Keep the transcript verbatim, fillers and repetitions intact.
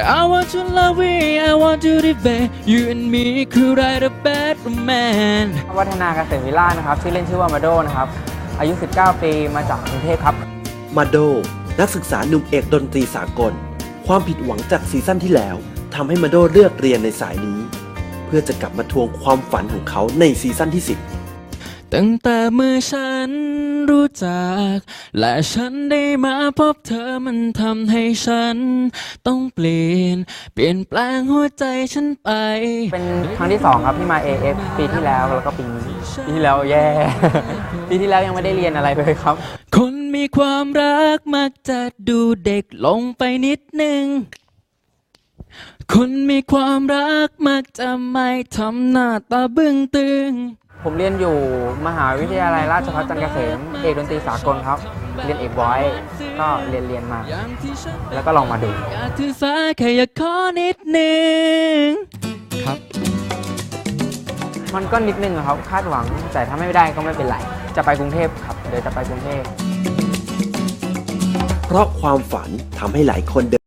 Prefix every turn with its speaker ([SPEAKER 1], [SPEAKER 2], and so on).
[SPEAKER 1] I want to love you I want to debate you and me could write a bad romance
[SPEAKER 2] วัฒนาเกษมวิลาศนะครับชื่อเล่นชื่อว่ามาโดนะครับอายุสิบเก้าปีมาจากกรุงเทพครับ
[SPEAKER 3] มาโดนักศึกษาหนุ่มเอกดนตรีสากลความผิดหวังจากซีซั่นที่แล้วทำให้มาโดเลือกเรียนในสายนี้เพื่อจะกลับมาทวงความฝันของเขาในซีซั่นที่สิบ
[SPEAKER 1] ตั้งแต่เมื่อฉันรู้จักและฉันได้มาพบเธอมันทำให้ฉันต้องเปลี่ยนเปลี่ยนแปลงหัวใจฉันไป
[SPEAKER 2] เป็นครั้งที่สองครับที่มา เอ เอฟ ปีที่แล้วแล้วก็ปีนี้ปีที่แล้วแย่ ปีที่แล้วยังไม่ได้เรียนอะไรเลยครับ
[SPEAKER 1] คนมีความรักมักจะดูเด็กลงไปนิดนึงคนมีความรักมักจะไม่ทำหน้าตาบึ้งตึง
[SPEAKER 2] ผมเรียนอยู่มหาวิทยาลัยราชภัฏจันทร์เกษมเอกดนตรีสากลครับเรียนเอกบอยก็เรียนเรียนมาแล้วก็ลองมาดู
[SPEAKER 1] ถือสาแค่อยากขอนิดนึงครับ
[SPEAKER 2] มันก็นิดนึงครับคาดหวังแต่ถ้าไม่ได้ก็ไม่เป็นไรจะไปกรุงเทพครับเดี๋ยวจะไปกรุงเทพ
[SPEAKER 3] เพราะความฝันทำให้หลายคนเดิน